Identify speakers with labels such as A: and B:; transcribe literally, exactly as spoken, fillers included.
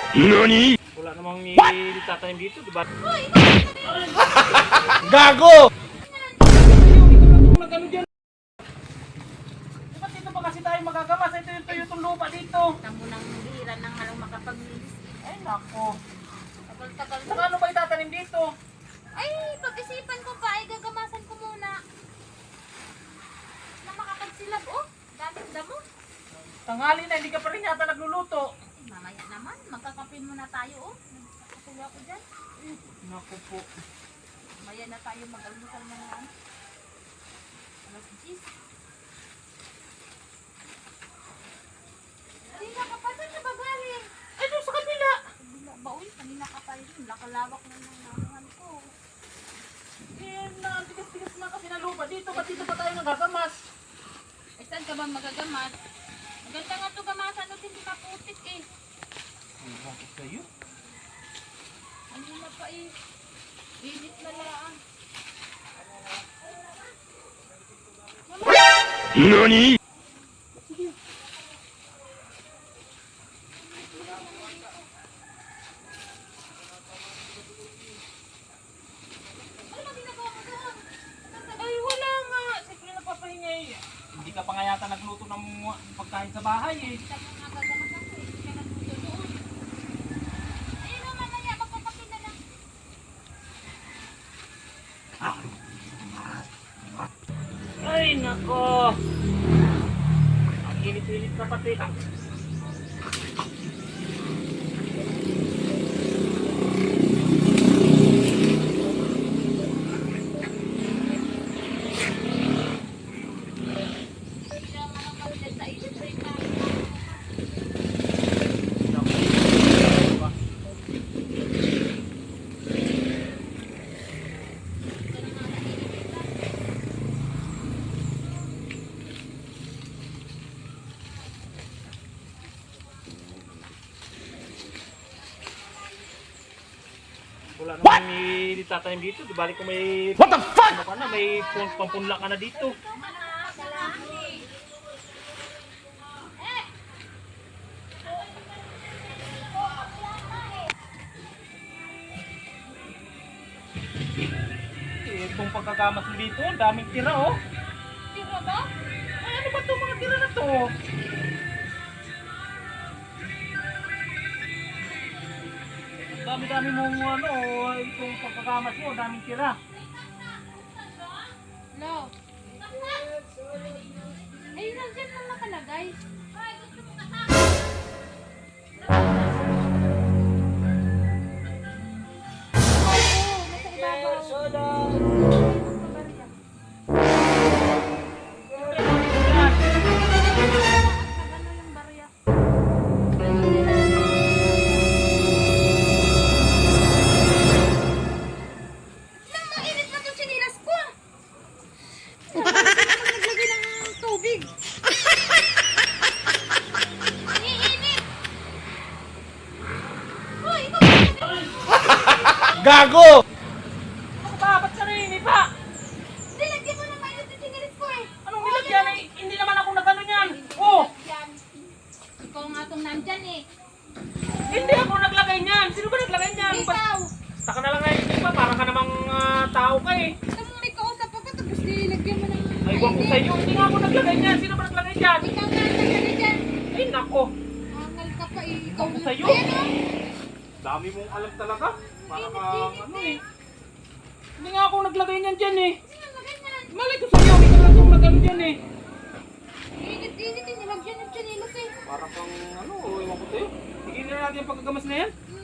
A: Nani?
B: Wala namang itatanim dito, di ba?
A: Gago!
B: Mag-ano dyan? Di ba dito pa kasi tayo magagamas? Ito yung tuyo itong lupa dito.
C: Tamo nang hira nang halang makapaglinis.
B: Ay, nako.
C: Tagal-tagal
B: Saka ano ba itatanim dito?
C: Ay, pag-isipan ko pa, ay gagamasan ko muna. Na makapagsilab, oh. Daming damo.
B: Tanghali na, hindi ka pa rin yata nagluluto.
C: Ay, mamaya naman, magkakape muna tayo, oh. Nagkakatuwa ko dyan.
B: Naku po.
C: Mamaya na tayo mag-almusal na nga. Alas diyes. Kanina ka pa, saan ka ba galing?
B: Ay, doon sa kabila.
C: Kabila ba, uy? Kanina ka pa rin. Lakalawak na ng nakungan ko.
B: Eh, na-tigas-tigas na kasi na lupa dito. Ba't dito pa tayo nagagamas?
C: Eh, saan ka ba magagamat? Maganda nga ito gamasan at hindi maputik eh.
B: Ay, bakit kayo?
C: Ano na pa eh. Init na lang.
A: Nani?
C: Ano ba ginagawa mo doon?
B: Ay, wala nga. Siyempre napapahinga eh. Hindi ka pa nga yata nagluto ng pagkain sa bahay eh.
C: Saan mo nga gagamat ako eh. Hindi ka nagluto doon. Ayun o, mamaya magpapapin na lang.
B: Ay, nako. Ang init-init na pati.
C: Hindi naman ang kabilan sa init. Break na.
B: Wala namang itatanim dito. Di balik ko may...
A: What the fuck?
B: Ano ka na, may pun- pampunla ka na dito. Eh, itong pagkagamas mo dito, ang daming tira oh.
C: Tira ba?
B: Ay, ano ba itong mga tira na to? Ang dami-dami mong ano, itong pagkagamas mo, ang daming tira.
C: Lo. Ayun, nandiyan lang nakalagay. Oo, nasa ibabaw. Nagano yung barya. Nang mainit na itong sinilas ko. Naglagay ng tubig. Iinit. Hoy, ikaw ba naglagay?
A: Gago!
B: Ano ba? Ba't ka naninipa?
C: Nilagyan mo ng mainit yung sinilas ko eh.
B: Anong nilagyan eh? Hindi naman ako nagano yan. Oh!
C: Yan. Ikaw nga itong nandyan eh.
B: Hindi ako naglagay niyan. Sino ba naglagay niyan? Ba't
C: Ikaw.
B: basta ka na lang ngayon, di ba? Parang ka namang ah, tao ka eh.
C: Ito mo may kausap ako tapos nilagyan mo ng
B: Ay, wag ko sa'yo. Hindi nga ako naglagay niyan. Sino ba naglagay niyan?
C: Ikaw nga naglagay dyan.
B: Ay, nako.
C: Angal ka pa eh. Ikaw
B: Ako
C: na.
B: sa'yo.
C: Ayan o.
B: Dami mong alam talaga. Para ka,
C: Init-init
B: ano
C: eh.
B: eh. Hindi nga ako naglagay niyan dyan eh.
C: Sino naglagay niyan?
B: Malay ko sa'yo. Ikaw lang kung nagano dyan eh.
C: Init-init eh. Nilagyan ng sinilas eh.
B: Para kang, ano, ewan ko sa'yo. Tigil na natin yung pagkagamas na yan.
C: Hmm.